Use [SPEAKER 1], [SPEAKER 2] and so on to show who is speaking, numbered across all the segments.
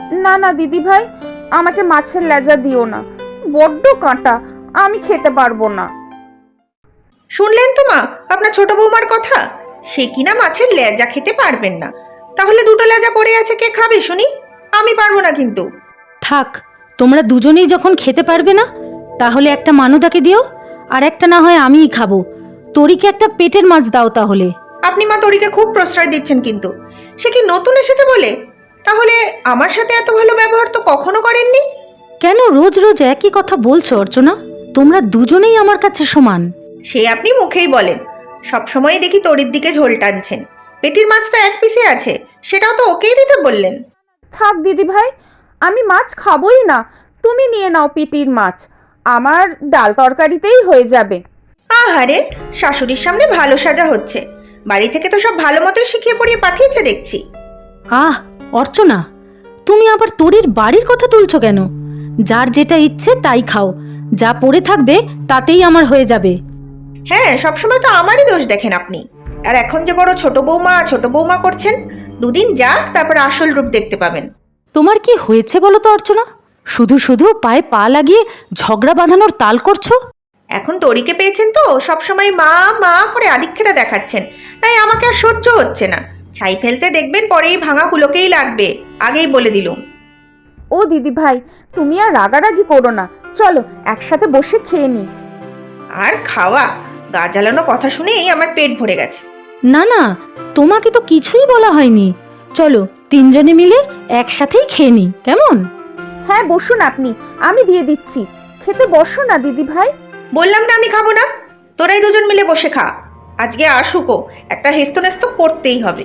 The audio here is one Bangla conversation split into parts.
[SPEAKER 1] না না দিদি ভাই, আমাকে মাছের লেজা দিও না, বড্ড কাঁটা, আমি খেতে পারবো না।
[SPEAKER 2] শুনলেন তো মা আপনার ছোট বৌমার কথা, সে কিনা মাছের লেজা খেতে পারবেন না। তাহলে দুটো লেজা পড়ে আছে, কে খাবে শুনি? আমি পারবো না কিন্তু।
[SPEAKER 3] থাক, তোমরা দুজনেই যখন খেতে পারবে না, তাহলে একটা মানুদাকে দিও, আর একটা না হয় আমিই খাবো। তরিকে একটা পেটের মাছ দাও তাহলে।
[SPEAKER 2] আপনি মা তরিকে খুব প্রশ্রয় দিচ্ছেন কিন্তু। সে কি নতুন এসেছে বলে? তাহলে আমার সাথে এত ভালো ব্যবহার তো কখনো করেননি।
[SPEAKER 3] কেন রোজ রোজ একই কথা বলছো অর্চনা? তোমরা দুজনেই আমার কাছে সমান।
[SPEAKER 2] সে আপনি মুখেই বলেন, সবসময় দেখি তরির দিকে ঝোল টানছেন। পেটির মাছ তো এক পিসে আছে, সেটাও তো ওকেই দিতে বললেন।
[SPEAKER 1] থাক দিদি ভাই, আমি মাছ খাবোই না, তুমি নিয়ে নাও পিটির মাছ, আমার ডাল তরকারিতেই হয়ে যাবে।
[SPEAKER 2] আহারে, শাশুড়ির সামনে ভালো সাজা হচ্ছে। বাড়ি থেকে তো সব ভালো মতোই শিখিয়ে পড়িয়ে পাঠিয়েছে দেখছি।
[SPEAKER 3] আহ অর্চনা, তুমি আবার তরির বাড়ির কথা তুলছো কেন? যার যেটা ইচ্ছে তাই খাও, যা পড়ে থাকবে তাতেই আমার হয়ে যাবে।
[SPEAKER 2] হ্যাঁ, সবসময় তো আমারই দোষ দেখেন আপনি। আর এখন যে বড় ছোট বৌমা করছেন, দুদিন যাক তারপর আসল রূপ দেখতে পাবেন।
[SPEAKER 3] তোমার কি হয়েছে বলো তো অর্চনা? শুধু শুধু পায়ে পা লাগিয়ে ঝগড়া বাঁধানোর তাল করছো।
[SPEAKER 2] এখন তরিকে পেয়েছেন তো সবসময় মা মা করে আদিক্ষেতা দেখাচ্ছেন, তাই আমাকে আর সহ্য হচ্ছে না। ছাই ফেলতে দেখবেন পরেই ভাঙা কুলোকেই লাগবে, আগেই বলে দিলুম।
[SPEAKER 1] ও দিদি ভাই, তুমি আর রাগারাগি করো না, চলো একসাথে বসে খেয়ে নিই।
[SPEAKER 2] আর খাওয়া, গা জ্বালানো কথা শুনেই আমার পেট ভরে গেছে।
[SPEAKER 3] না না, তোমাকে তো কিছুই বলা হয়নি। চলো তিনজনে মিলে একসাথেই খেয়ে নিই, কেমন?
[SPEAKER 1] হ্যাঁ বসুন আপনি, আমি দিয়ে দিচ্ছি, খেতে বসো না দিদি ভাই।
[SPEAKER 2] বললাম না আমি খাবো না, তোরাই দুজন মিলে বসে খা। আজকে আসুকো, একটা হেস্তনেস্ত করতেই হবে।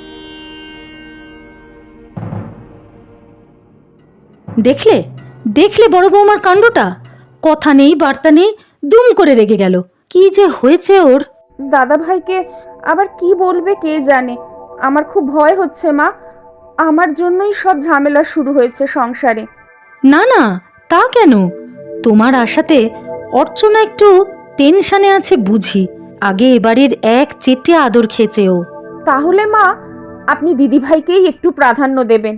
[SPEAKER 3] দেখলে দেখলে বড় বৌমার কাণ্ডটা? কথা নেই বার্তা নেই, দুম করে রেগে গেল। কি যে হয়েছে ওর!
[SPEAKER 1] দাদা ভাইকে আবার কি বলবে কে জানে, আমার খুব ভয় হচ্ছে মা, আমার জন্যই সব ঝামেলা শুরু হয়েছে সংসারে।
[SPEAKER 3] না না, তা কেন? তোমার আশাতে অর্চনা একটু টেনশনে আছে বুঝি। আগে এবারের এক চেটে আদর খেয়েছে ও।
[SPEAKER 1] তাহলে মা, আপনি দিদি ভাইকেই একটু প্রাধান্য দেবেন।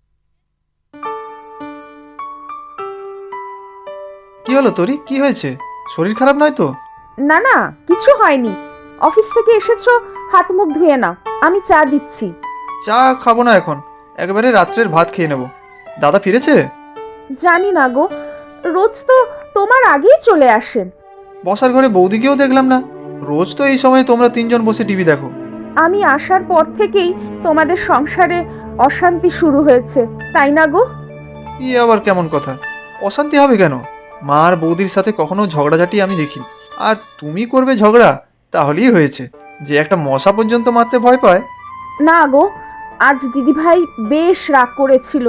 [SPEAKER 4] কি হলো তরি, কি হয়েছে? শরীর খারাপ নয় তো?
[SPEAKER 1] না না, কিছু হয়নি, অফিস থেকে এসেছো, হাত মুখ ধুয়ে নাও, আমি চা দিচ্ছি।
[SPEAKER 4] চা খাবো না এখন, একেবারে রাত্রের ভাত খেয়ে নেব। দাদা ফিরেছে?
[SPEAKER 1] জানি না গো, রোজ তো তোমার আগেই চলে আসেন।
[SPEAKER 4] বসার ঘরে বৌদিকেও দেখলাম না। রোজ তো এই সময় তোমরা তিনজন বসে টিভি দেখো।
[SPEAKER 1] আমি আসার পর থেকেই তোমাদের সংসারে অশান্তি শুরু হয়েছে, তাই না গো?
[SPEAKER 4] ই আবার কেমন কথা? অশান্তি হবে কেন? মা আর বৌদির সাথে কখনো ঝগড়াঝাটি আমি দেখিনি। আর তুমি করবে ঝগড়া? তাহলেই হয়েছে, যে একটা মশা পর্যন্ত মারতে ভয় পায়।
[SPEAKER 1] না গো, আজ দিদি ভাই বেশ রাগ করেছিল,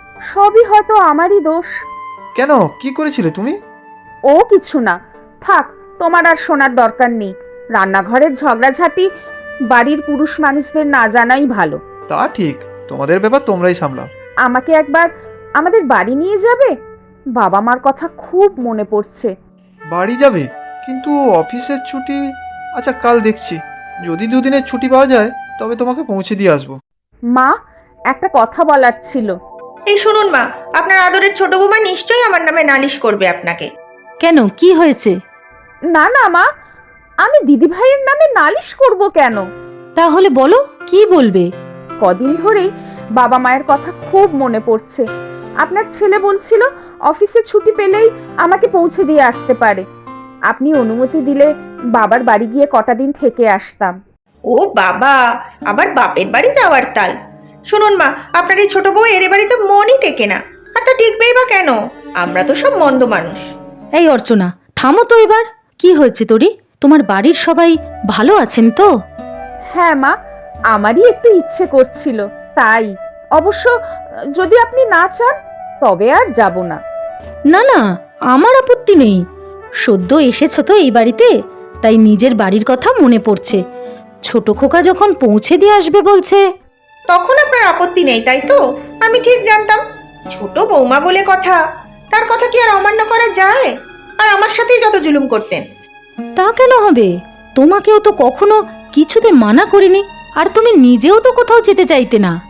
[SPEAKER 1] সবই হয়তো আমারই দোষ।
[SPEAKER 4] কেন, কি করেছিলে তুমি?
[SPEAKER 1] ও কিছু না, থাক, তোমার আর শোনার দরকার নেই। রান্নাঘরের ঝগড়াঝাটি বাড়ির পুরুষ মানুষদের না জানাই ভালো।
[SPEAKER 4] তা ঠিক, তোমাদের ব্যাপার তোমরাই সামলাও।
[SPEAKER 1] আমাকে একবার আমাদের বাড়ি নিয়ে যাবে? বাবা মার কথা খুব মনে পড়ছে।
[SPEAKER 4] বাড়ি যাবে? কিন্তু অফিসের ছুটি। আচ্ছা, কাল দেখছি, যদি দুদিনের ছুটি পাওয়া যায় তবে তোমাকে পৌঁছে দিয়ে আসবো।
[SPEAKER 1] মা, একটা কথা বলার ছিল।
[SPEAKER 2] এই শুনুন মা, আপনার আদরের ছোট বৌমা নিশ্চয়ই আমার নামে নালিশ করবে আপনাকে।
[SPEAKER 3] কেন, কি হয়েছে?
[SPEAKER 1] না না মা, আমি দিদি ভাইয়ের নামে নালিশ করব কেন?
[SPEAKER 3] তাহলে বলো, কি বলবে?
[SPEAKER 1] কদিন ধরেই বাবা মায়ের কথা খুব মনে পড়ছে। আপনার ছেলে বলছিল অফিসে ছুটি পেলেই আমাকে পৌঁছে দিয়ে আসতে পারে, আপনি অনুমতি দিলে বাবার বাড়ি গিয়ে কটা দিন থেকে আসতাম।
[SPEAKER 2] ও বাবা, আবার বাপের বাড়ি যাওয়ার তাল! শুনুন মা, আপনার এই ছোট বউ এর বাড়িতে মনই টেকে না। আর তা টিকবেই বা কেন? আমরা তো সব মন্দ মানুষ।
[SPEAKER 3] এই অর্চনা, থামো তো এবার। কি হয়েছে তরি? তোমার বাড়ির সবাই ভালো আছেন তো?
[SPEAKER 1] হ্যাঁ মা, আমারই একটু ইচ্ছে করছিল, তাই। অবশ্য যদি আপনি না চান তবে আর যাব না।
[SPEAKER 3] না না, আমার আপত্তি নেই। সদ্য এসেছো তো এই বাড়িতে, তাই নিজের বাড়ির কথা মনে পড়ছে। ছোট খোকা যখন পৌঁছে দিয়ে আসবে বলছে।
[SPEAKER 2] তখন আপনার আপত্তি নেই, তাই তো? আমি ঠিক জানতাম। ছোট বৌমা বলে কথা, তার কথা কি আর অমান্য করা যায়? আর আমার সাথেই যত জুলুম করতেন।
[SPEAKER 3] তা কেন হবে? তোমাকেও তো কখনো কিছুতে মানা করিনি, আর তুমি নিজেও তো কোথাও যেতে চাইতে না।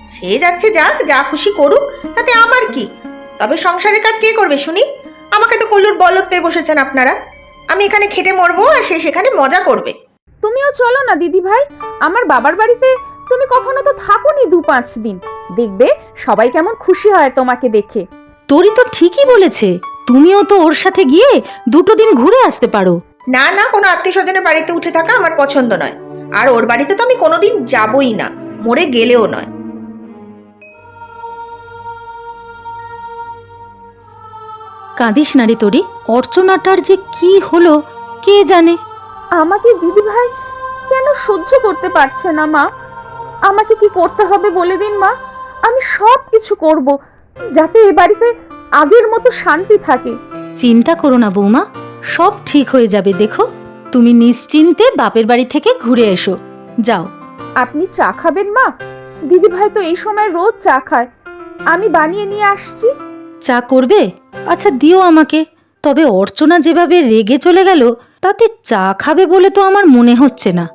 [SPEAKER 2] সে যাচ্ছে যাক, যা খুশি করুক, তাতে আমার কি? তবে সংসারের কাজ কে করবে শুনি? আমাকে তো কল্লুর বলদ পেয়ে বসেছেন আপনারা। আমি এখানে খেটে মরবো আর সে সেখানে মজা করবে।
[SPEAKER 1] তুমিও চলো না দিদি ভাই, আমার বাবার বাড়িতে। তুমি কখনো তো থাকোনি 2-5 দিন, দেখবে সবাই কেমন খুশি হয় তোমাকে দেখে।
[SPEAKER 3] তোরই তো ঠিকই বলেছে, তুমিও তো ওর সাথে গিয়ে 2 দিন ঘুরে আসতে পারো।
[SPEAKER 2] না না, কোনো আত্মীয় স্বজনের বাড়িতে উঠে থাকা আমার পছন্দ নয়। আর ওর বাড়িতে তো আমি কোনোদিন যাবই না, মরে গেলেও নয়।
[SPEAKER 3] কাঁদিস না রে তোরি, অর্চনাটার যে কি হলো কে জানে।
[SPEAKER 1] আমাকে দিদি ভাই কেন সহ্য করতে পারছে না মা? আমাকে কি করতে হবে বলে দিন মা, আমি সব কিছু করব যাতে এ বাড়িতে আগের মতো শান্তি থাকে।
[SPEAKER 3] চিন্তা করো না বৌমা, সব ঠিক হয়ে যাবে। দেখো, তুমি নিশ্চিন্তে বাপের বাড়ি থেকে ঘুরে এসো। যাও।
[SPEAKER 1] আপনি চা খাবেন মা? দিদি ভাই তো এই সময় রোজ চা খায়, আমি বানিয়ে নিয়ে আসছি।
[SPEAKER 3] চা করবে? আচ্ছা দিও আমাকে। তবে অর্চনা যেভাবে রেগে চলে গেল, তাতে চা খাবে বলে তো আমার মনে হচ্ছে না।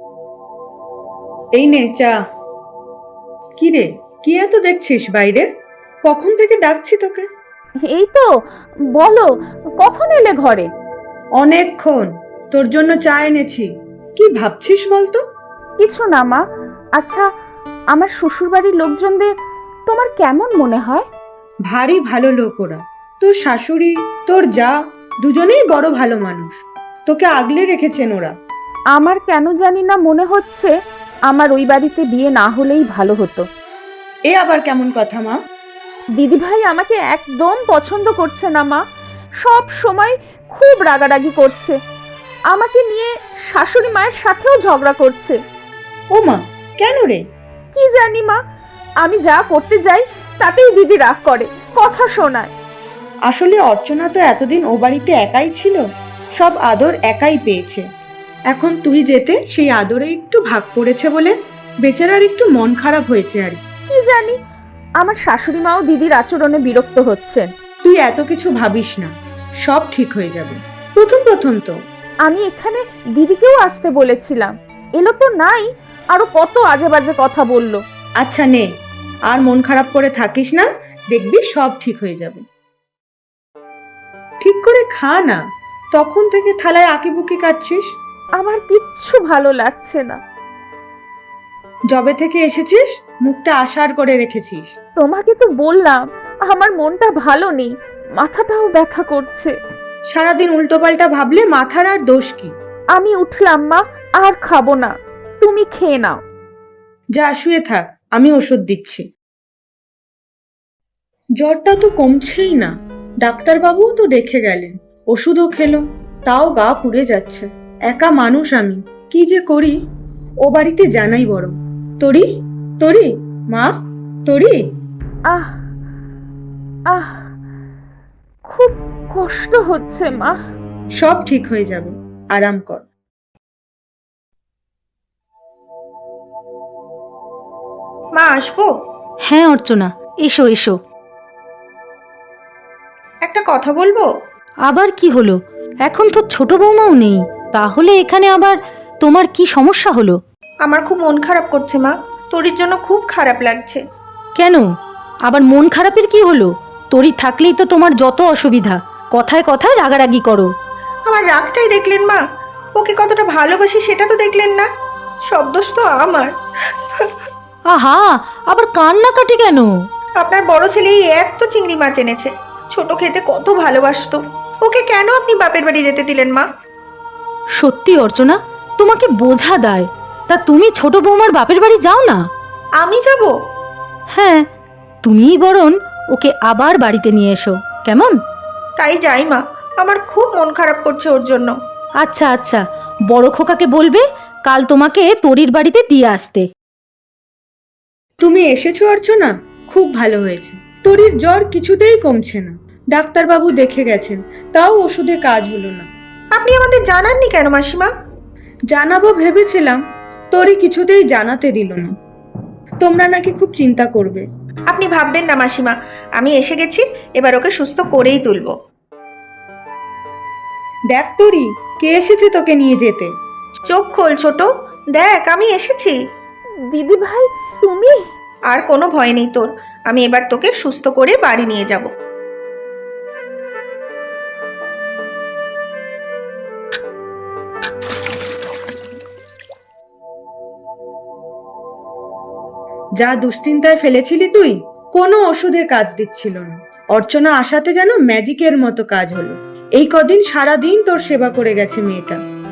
[SPEAKER 5] এই নে চা। কি রে, কি এত দেখছিস বাইরে? কখন থেকে ডাকছি তোকে।
[SPEAKER 1] এই তো, বলো কখন এলে ঘরে?
[SPEAKER 5] অনেকক্ষণ। তোর জন্য চা এনেছি। কি ভাবছিস বলতো?
[SPEAKER 1] কিছু না মা। আচ্ছা, আমার শ্বশুরবাড়ির লোকজনদের তোমার কেমন মনে হয়?
[SPEAKER 5] ভারী ভালো লোক ওরা। তোর শাশুড়ি, তোর যা, দুজনেই বড় ভালো মানুষ। তোকে আগলে রেখেছেন ওরা।
[SPEAKER 1] আমার কেন জানি না মনে হচ্ছে আমার ওই বাড়িতে বিয়ে না হলেই ভালো হতো।
[SPEAKER 5] এ আবার কেমন কথা মা?
[SPEAKER 1] দিদিভাই আমাকে একদম পছন্দ করছে না মা, সব সময় খুব রাগারাগি করছে। আমাকে নিয়ে শাশুড়ি মায়ের সাথেও ঝগড়া করছে।
[SPEAKER 5] ও মা, কেন রে?
[SPEAKER 1] কি জানি মা, আমি যা করতে যাই তাতেই দিদি রাগ করে, কথা শোনায়।
[SPEAKER 5] আসলে অর্চনা তো এতদিন ও বাড়িতে একাই ছিল, সব আদর একাই পেয়েছে। এখন তুই যেতে সেই আদরে একটু ভাগ পড়েছে বলে বেচারার একটু মন খারাপ হয়েছে আর কি।
[SPEAKER 1] কি জানি, আমার শাশুড়ি মাও দিদির আচরণে বিরক্ত হচ্ছেন।
[SPEAKER 5] তুই এত কিছু ভাবিস না, সব ঠিক হয়ে যাবে। প্রথম প্রথম তো।
[SPEAKER 1] আমি এখানে দিদিকেও আসতে বলেছিলাম, এলো তো নাই, আরো কত আজে বাজে কথা বললো।
[SPEAKER 5] আচ্ছা নে, আর মন খারাপ করে থাকিস না, দেখবি সব ঠিক হয়ে যাবে। ঠিক করে খা না, তখন থেকে থালায় আঁকিবুকি কাটছিস।
[SPEAKER 1] আমার কিচ্ছু ভালো লাগছে না।
[SPEAKER 5] যবে থেকে এসেছিস মুখটা আশার করে রেখেছিস।
[SPEAKER 1] তোমাকে তো বললাম আমার মনটা ভালো নেই, মাথাটাও ব্যথা করছে।
[SPEAKER 5] সারাদিন উল্টোপাল্টা ভাবলে মাথার আর দোষ কি?
[SPEAKER 1] আমি উঠলাম মা, আর খাবো না, তুমি খেয়ে নাও।
[SPEAKER 5] যা শুয়ে থাক, আমি ওষুধ দিচ্ছি। জ্বরটা তো কমছেই না। ডাক্তারবাবুও তো দেখে গেলেন, ওষুধও খেলো, তাও গা পুড়ে যাচ্ছে। একা মানুষ আমি, কি যে করি। ও বাড়িতে জানাই বরং। তরি, তরি, মা, তরি।
[SPEAKER 1] আহ আহ, খুব কষ্ট হচ্ছে মা।
[SPEAKER 5] সব ঠিক হয়ে যাবে, আরাম কর।
[SPEAKER 2] মা, আসবো?
[SPEAKER 3] হ্যাঁ অর্চনা, এসো এসো।
[SPEAKER 2] একটা কথা বলবো।
[SPEAKER 3] আবার কি হলো? এখন তো ছোট বৌমাও নেই, তাহলে এখানে আবার তোমার কি সমস্যা হলো?
[SPEAKER 2] আমার খুব মন খারাপ করছে মা, তোরির জন্য খুব খারাপ লাগছে।
[SPEAKER 3] কেন? আবার মন খারাপের কি হলো? তোরই থাকলেই তো তোমার যত অসুবিধা, কথায় কথায় রাগারাগি করো।
[SPEAKER 2] আমার রাগটাই দেখলেন মা, ওকে কতটা ভালোবাসি সেটা তো দেখলেন না। সব দোষ তো আমার।
[SPEAKER 3] আহা, আবার কান্নাকাটি কেন?
[SPEAKER 2] আপনার বড় ছেলে এই এত চিংড়ি মাছ এনেছে, ছোট খেতে কত ভালোবাসতো। ওকে কেন আপনি বাপের বাড়ি যেতে দিলেন মা?
[SPEAKER 3] সত্যি অর্চনা, তোমাকে বোঝা দায়। তা তুমি ছোট বৌমার বাপের বাড়ি যাও না।
[SPEAKER 2] আমি যাব?
[SPEAKER 3] হ্যাঁ, তুমিই বরং ওকে আবার বাড়িতে নিয়ে এসো, কেমন?
[SPEAKER 2] তাই যাই মা, আমার খুব মন খারাপ করছে ওর জন্য।
[SPEAKER 3] আচ্ছা আচ্ছা, বড় খোকাকে বলবে কাল তোমাকে তরির বাড়িতে দিয়ে আসতে।
[SPEAKER 5] তুমি এসেছো অর্চনা, খুব ভালো হয়েছে। তরির জ্বর কিছুতেই কমছে না, ডাক্তারবাবু দেখে গেছেন, তাও ওষুধে কাজ হলো না।
[SPEAKER 2] আপনি আমাদের জানাননি কেন মাসিমা?
[SPEAKER 5] জানাবো ভেবেছিলাম, তরি কিছুতেই জানাতে দিল না। তোমরা নাকি খুব চিন্তা করবে।
[SPEAKER 2] আপনি ভাববেন না মাসিমা, আমি এসে গেছি, এবার ওকে সুস্থ করেই তুলবো।
[SPEAKER 5] দেখ তরি, কে এসেছে তোকে নিয়ে যেতে।
[SPEAKER 2] চোখ খোল ছোট, দেখ আমি এসেছি।
[SPEAKER 1] দিদি ভাই তুমি?
[SPEAKER 2] আর কোনো ভয় নেই তোর, আমি এবার তোকে সুস্থ করে বাড়ি নিয়ে যাব।
[SPEAKER 5] যা দুশ্চিন্তায় ফেলেছিলি তুই, কোনো ওষুধে কাজ দিচ্ছিল না। অর্চনা আসাতে যেন ম্যাজিকের মতো কাজ হলো। এই কদিন সারাদিন তোর সেবা করে গেছে মেয়েটা।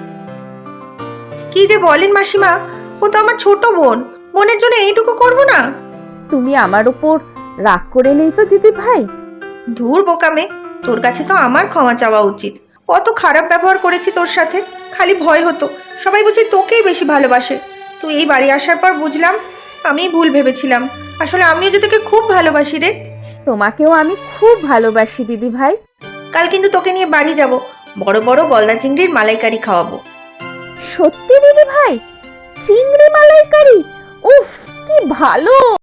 [SPEAKER 2] কি যে বলেন মাসিমা, ও তো আমার ছোট বোন, বোনের জন্য এইটুকু করব না?
[SPEAKER 1] তুমি আমার ওপর রাগ করে নেই তো দিদি ভাই?
[SPEAKER 2] ধুর বোকামে, তোর কাছে তো আমার ক্ষমা চাওয়া উচিত। কত খারাপ ব্যবহার করেছি তোর সাথে, খালি ভয় হতো সবাই বুঝি তোকেই বেশি ভালোবাসে। তুই এই বাড়ি আসার পর বুঝলাম আমি ভুল ভেবেছিলাম, আসলে আমিও যে তোকে খুব ভালোবাসি রে।
[SPEAKER 1] তোমাকেও আমি খুব ভালোবাসি দিদি ভাই।
[SPEAKER 2] কাল কিন্তু তোকে নিয়ে বাড়ি যাব, বড় বড় গলদা চিংড়ির মালাইকারি খাওয়াবো।
[SPEAKER 1] সত্যি দিদি ভাই? চিংড়ি মালাইকারি? উফ, কি ভালো!